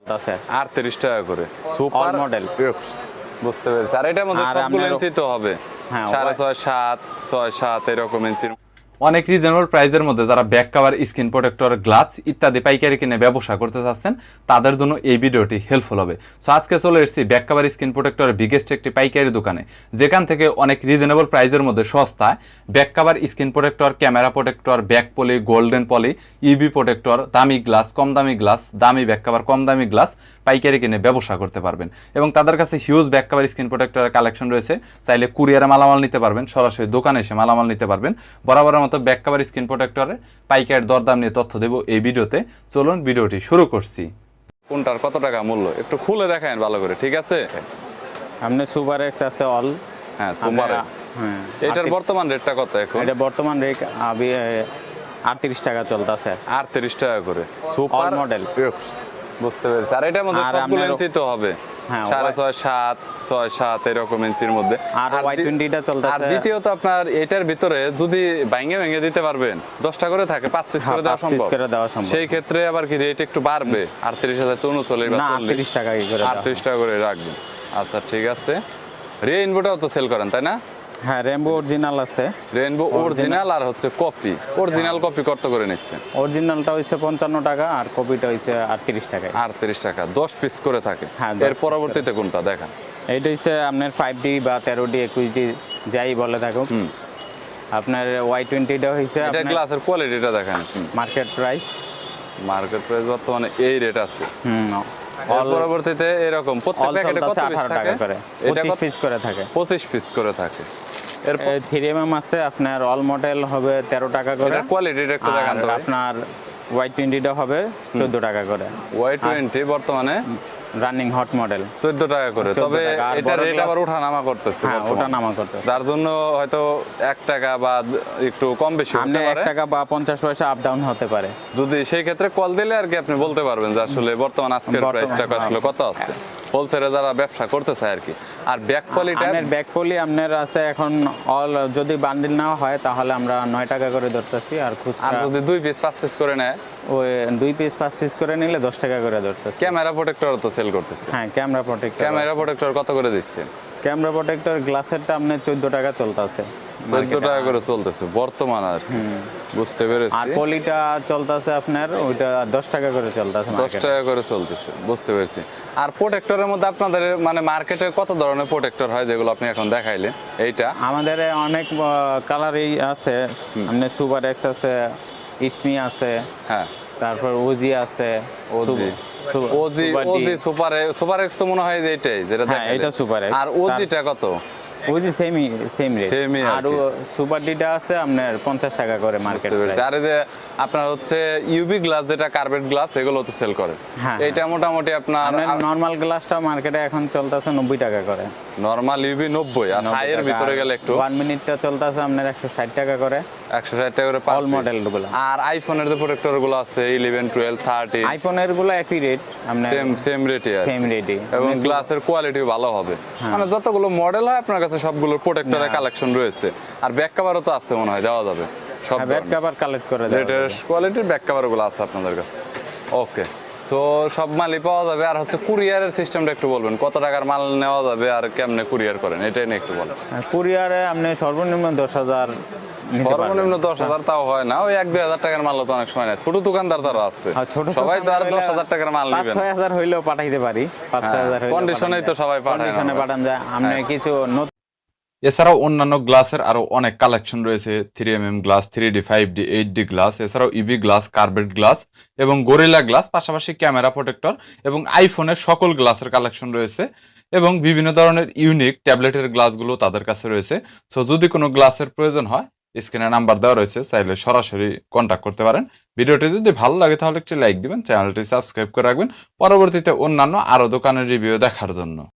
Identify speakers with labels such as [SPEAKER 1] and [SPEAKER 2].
[SPEAKER 1] আছে
[SPEAKER 2] 38 টাকা করে সুপার
[SPEAKER 1] মডেল।
[SPEAKER 2] বুঝতে পেরেছি। আর এটার মধ্যে
[SPEAKER 1] আর
[SPEAKER 2] সবগুলো
[SPEAKER 1] আপনার-
[SPEAKER 2] ইঞ্চি তো হবে
[SPEAKER 1] হ্যাঁ,
[SPEAKER 2] 6.5 7 6 7 এরকম ইঞ্চির।
[SPEAKER 3] অনেক রিজনেবল প্রাইসের মধ্যে যারা back cover, screen protector, glass ইত্যাদি পাইকারি কিনে ব্যবসা করতে চাচ্ছেন তাদের জন্য এই ভিডিওটি হেল্পফুল হবে। সো আজকে চলে এসেছি ব্যাক কভার, স্ক্রিন প্রোটেক্টরের বিগেস্ট একটি পাইকারি দোকানে, যেখান থেকে অনেক রিজনেবল প্রাইসের মধ্যে সস্তায় back cover, screen protector, camera protector, back poly, golden poly, ইবি প্রোটেক্টর, দামি গ্লাস, কম দামি গ্লাস, দামি ব্যাক কভার, কম দামি গ্লাস পাইকারি কিনে ব্যবসা করতে পারবেন। এবং তাদের কাছে হিউজ ব্যাক কভার, স্ক্রিন প্রোটেক্টরের কালেকশন রয়েছে। চাইলে কুরিয়ারে মালামাল নিতে পারবেন, সরাসরি দোকানে এসে মালামাল নিতে পারবেন। বরাবরের মতো ব্যাক কভার, স্ক্রিন প্রোটেক্টরের পাইকারি দরদাম নিয়ে তথ্য দেব এই ভিডিওতে। চলুন ভিডিওটি শুরু করছি।
[SPEAKER 2] কোনটার কত টাকা মূল্য একটু খুলে দেখায়েন ভালো করে, ঠিক আছে?
[SPEAKER 1] আপনি সুপার এক্স আছে অল।
[SPEAKER 2] হ্যাঁ, সুপার এক্স।
[SPEAKER 1] হ্যাঁ,
[SPEAKER 2] এটার বর্তমান রেটটা কত এখন?
[SPEAKER 1] এটা বর্তমান রেট 38 টাকা চলতেছে।
[SPEAKER 2] 38 টাকা করে সুপার
[SPEAKER 1] মডেল।
[SPEAKER 2] বুঝতে পেরেছি। আর এটার মধ্যে
[SPEAKER 1] আর
[SPEAKER 2] সবগুলো
[SPEAKER 1] আপনার-
[SPEAKER 2] ইঞ্চি তো হবে
[SPEAKER 1] হ্যাঁ,
[SPEAKER 2] 6.5 7 6 7 এরকম ইঞ্চির মধ্যে।
[SPEAKER 1] আর Y20
[SPEAKER 2] আর
[SPEAKER 1] চলতেছে।
[SPEAKER 2] দ্বিতীয়ত আপনার এটার ভিতরে যদি ভেঙে দিতে পারবেন 10টা করে থাকে, 5 পিস করে দেওয়া
[SPEAKER 1] 5 পিস
[SPEAKER 2] সম্ভব।
[SPEAKER 1] করে দেওয়া সম্ভব।
[SPEAKER 2] সেই ক্ষেত্রে আবার কি রেট একটু বাড়বে? 38,000 তো 39 বা
[SPEAKER 1] না,
[SPEAKER 2] 40
[SPEAKER 1] 38 টাকা কি করে দেওয়া
[SPEAKER 2] 38 টাকা করে রাখবেন। আচ্ছা, ঠিক আছে। রেইনবোটাও তো সেল করেন, তাই না?
[SPEAKER 1] হ্যাঁ, রেমবো অরিজিনাল আছে।
[SPEAKER 2] রেইনবো অরিজিনাল আর হচ্ছে কপি। অরিজিনাল কপি কত করে নিচ্ছেন?
[SPEAKER 1] অরিজিনালটা হইছে 55 টাকা আর কপিটা হইছে 38 টাকা।
[SPEAKER 2] 38 টাকা 10 পিস করে থাকে।
[SPEAKER 1] হ্যাঁ, 10
[SPEAKER 2] এর
[SPEAKER 1] পিস
[SPEAKER 2] পরবর্তীতে কোনটা দেখান?
[SPEAKER 1] এইটা হইছে আপনার 5D বা 13D 21D যাই বলে থাকুক। আপনার Y20টা হইছে
[SPEAKER 2] এটা
[SPEAKER 1] আপনার
[SPEAKER 2] গ্লাসের কোয়ালিটিটা দেখান।
[SPEAKER 1] Market price.
[SPEAKER 2] মার্কেট প্রাইস বর্তমানে এই রেট আছে।
[SPEAKER 1] অল
[SPEAKER 2] পরবর্তীতে এরকম প্রত্যেক প্যাকেটে কত পিস
[SPEAKER 1] 18
[SPEAKER 2] থাকে?
[SPEAKER 1] টাকা করে,
[SPEAKER 2] এটা
[SPEAKER 1] 25 পিস করে থাকে।
[SPEAKER 2] 25 পিস করে থাকে। এর
[SPEAKER 1] 3mm আছে আপনার, অল মডেল হবে 13 টাকা করে।
[SPEAKER 2] এটার কোয়ালিটিটা একটু দেখান তো।
[SPEAKER 1] আর আপনার Y20টা হবে 14 টাকা করে।
[SPEAKER 2] Y20 বর্তমানে
[SPEAKER 1] রানিং হট মডেল
[SPEAKER 2] 14 টাকা করে।
[SPEAKER 1] 14
[SPEAKER 2] তবে
[SPEAKER 1] টাকা। আর
[SPEAKER 2] এটা
[SPEAKER 1] বড়
[SPEAKER 2] রেট
[SPEAKER 1] glass-
[SPEAKER 2] আবার ওঠানামা করতেছে
[SPEAKER 1] হ্যাঁ,
[SPEAKER 2] বর্তমানে।
[SPEAKER 1] ওটা নামা করতেছে।
[SPEAKER 2] যার জন্য হয়তো 1 টাকা বা একটু কম বেশি
[SPEAKER 1] আপনি
[SPEAKER 2] হতে
[SPEAKER 1] 1
[SPEAKER 2] পারে।
[SPEAKER 1] টাকা বা 50 পয়সা আপ ডাউন হতে পারে।
[SPEAKER 2] যদি সেই ক্ষেত্রে কল দিলে আর কি আপনি বলতে পারবেন যে আসলে বর্তমান আজকের
[SPEAKER 1] বর্তমান,
[SPEAKER 2] প্রাইসটা আসলে
[SPEAKER 1] হ্যাঁ।
[SPEAKER 2] কত আছে। হোলসেলে যারা ব্যবসা করতে চায় আর কি। আর ব্যাক কোয়ালিটি
[SPEAKER 1] আপনার ব্যাক পলি আপনার আছে এখন অল, যদি বান্ডিল নেওয়া হয় তাহলে আমরা 9 টাকা করে ধরতেছি। আর
[SPEAKER 2] আর
[SPEAKER 1] খুচরা
[SPEAKER 2] যদি 2 পিস 5 পিস করে নেয়,
[SPEAKER 1] ওই 2 পিস 5 পিস করে নিলে 10 টাকা করে ধরতেছি।
[SPEAKER 2] ক্যামেরা প্রোটেক্টর তো সেল করতেছে।
[SPEAKER 1] হ্যাঁ, ক্যামেরা প্রোটেক্টর।
[SPEAKER 2] ক্যামেরা প্রোটেক্টর কত করে দিচ্ছে?
[SPEAKER 1] ক্যামেরা প্রোটেক্টর গ্লাসেরটা আপনার 14 টাকা চলতেছে।
[SPEAKER 2] 14 টাকা করে চলতেছে বর্তমান আর কি। বুঝতে
[SPEAKER 1] আর
[SPEAKER 2] পেরেছি।
[SPEAKER 1] পলিটা চলতেছে আপনার ওইটা 10 টাকা করে চলতেছে।
[SPEAKER 2] 10 টাকা করে চলতেছে, বুঝতে পেরেছি। আর প্রোটেক্টরের মধ্যে আপনাদের মানে মার্কেটে কত ধরনের প্রোটেক্টর হয় যেগুলো আপনি এখন দেখাইলেন? এইটা
[SPEAKER 1] আমাদের অনেক কালারই আছে। আপনার সুপার এক্স আছে, ইসমি আছে,
[SPEAKER 2] হ্যাঁ,
[SPEAKER 1] তারপর ওজি আছে।
[SPEAKER 2] OG OG
[SPEAKER 1] super D.
[SPEAKER 2] OG super X তো মনে হয় যে এটাই যেটা
[SPEAKER 1] হ্যাঁ,
[SPEAKER 2] দেখাইলেন।
[SPEAKER 1] এটা সুপার এক্স।
[SPEAKER 2] আর ওজিটা কত?
[SPEAKER 1] OG same rate.
[SPEAKER 2] Same-ই আর
[SPEAKER 1] আর
[SPEAKER 2] কি।
[SPEAKER 1] সুপার ডিটা আছে আপনার 50 টাকা করে মার্কেট
[SPEAKER 2] বুঝতে পেরেছি। আর এই যে আপনার হচ্ছে ইউভি গ্লাস, যেটা কার্বেট গ্লাস, এগুলো তো সেল করে।
[SPEAKER 1] হ্যাঁ,
[SPEAKER 2] এটা মোটামুটি আপনার
[SPEAKER 1] নরমাল গ্লাসটা মার্কেটে এখন চলতেছে 90 টাকা করে।
[SPEAKER 2] নরমাল ইউভি 90, আর হাইয়ের ভিতরে গেলে একটু
[SPEAKER 1] 1 মিনিটটা চলতেছে আপনার 160 টাকা করে।
[SPEAKER 2] 160 টাকা করে পার
[SPEAKER 1] অল মডেল গুলো।
[SPEAKER 2] আর আইফোনের যে প্রোটেক্টর গুলো আছে 11 12 30
[SPEAKER 1] আইফোনের গুলো একই রেট আপনার,
[SPEAKER 2] সেম রেটে
[SPEAKER 1] সেম রেটই।
[SPEAKER 2] এবং গ্লাসের কোয়ালিটিও ভালো হবে। মানে যতগুলো মডেল হয় আপনার কাছে সবগুলো প্রোটেক্টরের কালেকশন রয়েছে। আর ব্যাক কভারও তো আছে মনে হয়, দেওয়া যাবে সব
[SPEAKER 1] ব্যাক কভার কালেক্ট করে দেওয়া যাবে।
[SPEAKER 2] লেটেস্ট কোয়ালিটির ব্যাক কভার গুলো আছে আপনাদের কাছে। ওকে, সো সব মালই পাওয়া যাবে। আর হচ্ছে কুরিয়ারের সিস্টেমটা একটু বলবেন, কত টাকার মাল নেওয়া যাবে আর কেমনে কুরিয়ার করেন, এটাই নিয়ে একটু বলেন।
[SPEAKER 1] কুরিয়ারে আপনি সর্বনিম্ন 10,000 নিতে পারবেন।
[SPEAKER 2] সর্বনিম্ন 10,000 তাও হয় না, ওই 1-2 টাকার মাল তো অনেক সময় নেয়। ছোট দোকানদার তারা আছে,
[SPEAKER 1] আর ছোট
[SPEAKER 2] সবাই তো আর
[SPEAKER 1] দোকানদার হইলে
[SPEAKER 2] 10,000 টাকার মাল নেবেন।
[SPEAKER 1] 5-6 হইলেও পাঠাইতে পারি। 5-6 হইলেও
[SPEAKER 2] কন্ডিশনেই তো সবাই পাঠায় না।
[SPEAKER 1] কন্ডিশনে পাঠান যায়। আপনি কিছু নতুন
[SPEAKER 3] এছাড়াও অন্যান্য গ্লাসের আরো অনেক কালেকশন রয়েছে। 3mm glass, 3D, 5D, 8D glass, এছাড়াও ইবি গ্লাস, কার্বেট গ্লাস এবং গরিলা গ্লাস, পাশাপাশি ক্যামেরা প্রোটেক্টর এবং আইফোনের সকল গ্লাসের কালেকশন রয়েছে। এবং বিভিন্ন ধরনের ইউনিক ট্যাবলেটের গ্লাসগুলো তাদের কাছে রয়েছে। সো যদি কোনো গ্লাসের প্রয়োজন হয়, স্ক্রিনে নাম্বার দেওয়া রয়েছে, চাইলে সরাসরি কন্ট্যাক্ট করতে পারেন। ভিডিওটি যদি ভালো লাগে তাহলে একটি লাইক দিবেন, চ্যানেলটি সাবস্ক্রাইব করে রাখবেন পরবর্তীতে অন্যান্য আরো দোকানের রিভিউ দেখার জন্য।